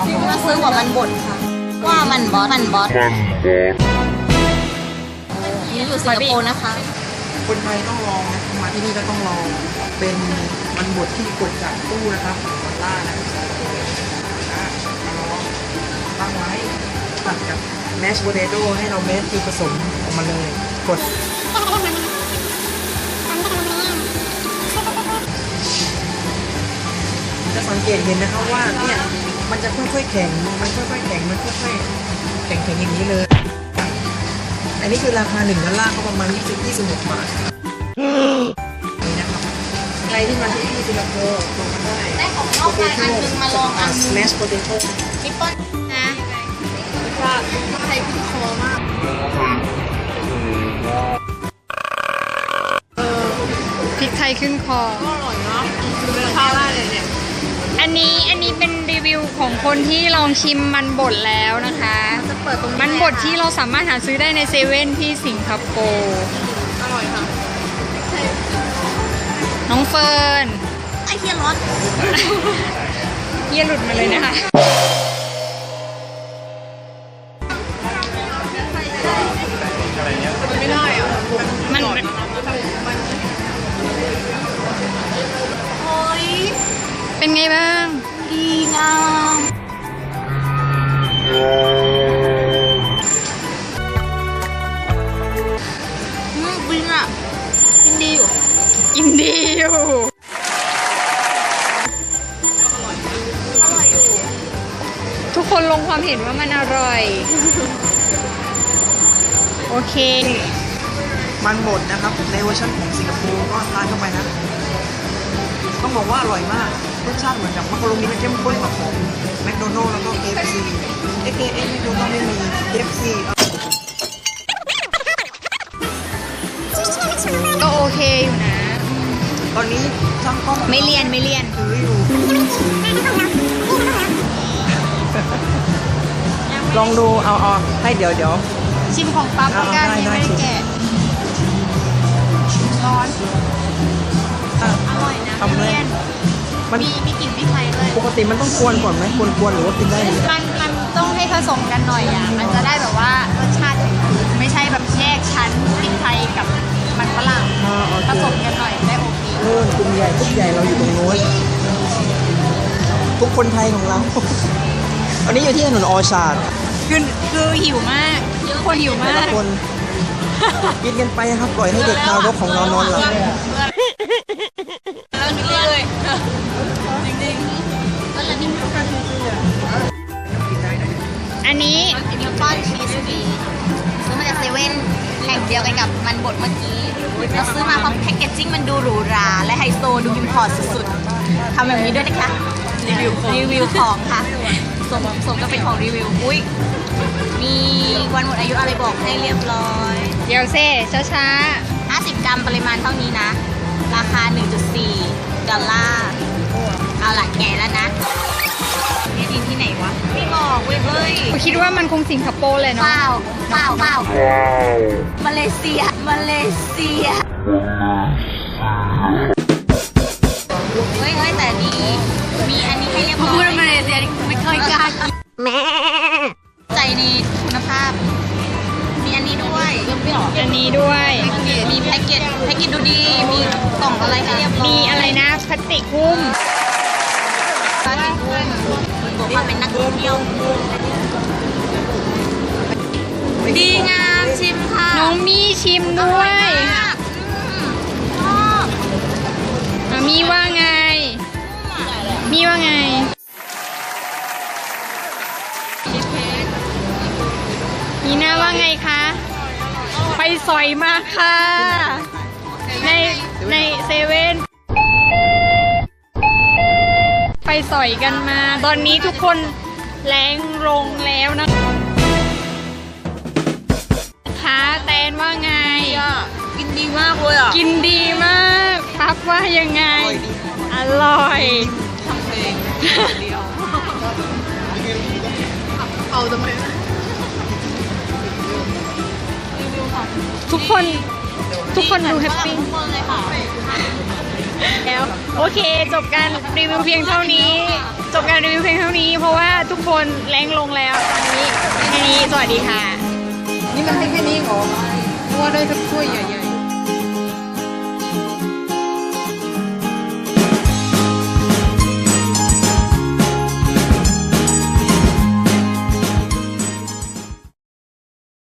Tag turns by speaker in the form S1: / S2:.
S1: มาซื้อหัวมันบดค่ะว่ามันบอสนี่อยู่สิงคโปร์นะคะ
S2: คนไทยต้องลองนะมาที่นี่ก็ต้องลองเป็นมันบดที่กดจากตู้นะครับมันล่านะมาลองตั้งไว้ตัดกับแมชโพเตโต้ให้เราเม็ดคือผสมออกมาเลยกดจะสังเกตเห็นนะครับว่าเนี่ยมันจะค่อยๆแข็งมันค่อยๆแข็งมันค่อยๆแข็งอย่างนี้เลยอันนี้คือราคา1 ดอลลาร์ก็ประมาณ26 บาทนี่นะครับใครที่มาที่สิงคโปร์ลองมาได้
S1: ของนอกมาอันนึงมาลองอันนึง
S2: แมชโพเตโต้
S1: นิปปอนนะว่าไทยขึ้นคอมาก
S3: พริกไทยขึ้นคอ
S1: ก็อร่อยเนาะคือเป็นข้าวราดเลยเนี่ย
S3: อันนี้เป็นรีวิวของคนที่ลองชิมมันบดแล้วนะคะมันบดที่เราสามารถหาซื้อได้ในเซเว่นที่สิงคโปร์
S1: อร่อยค่ะ
S3: น้องเฟิร์น
S1: ไอเฮียร้อน
S3: เฮียหลุดมาเลยนะคะ
S1: ไม่ได้อ่ะ
S3: มัน
S1: โอ้ย
S3: เป็นไงบ้าง
S1: ดีงามบินอ่ะกินดีอยู่
S3: กินดีอยู่ทุกคนลงความเห็นว่ามันอร่อยโอเค
S2: มันบดนะครับในเวอร์ชันของสิงคโปร์ก็ทานเข้าไปนะต้องบอกว่าอร่อยมากรสชาติเหมือนกับมักกะโรนีเข้มข้นกว่าของแมคโดนัลด์แล้วก็ KFC แมคโดนัลด์ไม่มี KFC
S3: ก็โอเคอยู่นะ
S2: ตอนนี้ช่างกล้อง
S3: ไม่เลียน
S2: ถืออยู่ลองดูเอาให้เดี๋ยว
S3: ชิมของปั๊บแล้วกันยังไม่ได้แกะร้อนอร่อยนะไม่เลี่ยนมีกลิ่นพริกไทยด้วย
S2: ปกติมันต้องกวนก่อนไหมกวนหรือว่ากินได้เลย
S3: มันต้องให้ผสมกันหน่อยอ่ะมันจะได้แบบว่ารสชาติไม่ใช่แบบแยกชั้นพริกไทยกับมันฝรั่งผสมกันหน่อยได้โอเค
S2: กลุ่มใหญ่เราอยู่ตรงโน้นทุกคนไทยของเราตอนนี้อยู่ที่ถนนออชาร์ด
S3: คือหิวมากคนหิวมาก
S2: คนกินกันไปครับปล่อยให้เด็กทารกของเรานอนหลับ
S1: แล้วกินเลยจริงๆแล้วนี่
S3: อันนี้
S1: นิวตันชีสบีซื้อมาจากเซเว่นแห่งเดียวกันกับมันบดเมื่อกี้เราซื้อมาเพราะแพคเกจจิ้งมันดูหรูหราและไฮโซดูอิมพอร์ตสุดๆทำแบบนี้ด้วยนะคะรีวิวของค่ะสมก็เป็นของรีวิวอุ้ยมีวันหมดอายุอะไรบอกให้เรียบร้อย
S3: เดี๋ยวเซ่ช้า
S1: 50 กรัมปริมาณเท่านี้นะราคา 1.4 ดอลลาร์เอาล่ะแก่แล้วนะนี่ดินที่ไหนวะไม่บอกเว้ยเฮ้ย
S3: คิดว่ามันคงสิงคโปร์เลยเนาะ
S1: เปล่ามาเลเซียเฮ้ยแต่นี้มีอันนี้ให้เรียบร้อยพูดมาเลเซียไม่เคยกล้าแม่ใจในคุณภาพมีอันนี้ด้วย
S3: อันนี้ด้วย
S1: มีแพ็กเกจดูดีมีกล่องอะไรให้เรียบร้อย
S3: มีอะไรนะพลาสติกหุ้ม
S1: บอกว่าเป็นนักท่องเที่ยวดีงามชิมค่ะ
S3: น้องมีชิมด้วยมีว่าไงมีหน้าว่าไงคะไปสอยมาค่ะในเซเว่นไปสอยกันมาตอนนี้ทุกคนแรงลงแล้วนะคะแตนว่าไง
S1: กินดีมากเลยอ่ะ
S3: กินดีมากปั๊บว่ายังไงอร่อย
S1: ทำเพลงเดียวเอาทำไม
S3: ทุกคนดูแฮปปี้แล้วโอเคจบการรีวิวเพียงเท่านี้เพราะว่าทุกคคนแรงลงแล้วตอนนี้แค่นี้สวัสดีค่ะ
S2: นี่มันให้แค่นี้เหรอเพราะว่าได้สักถ้วยใหญ่ๆ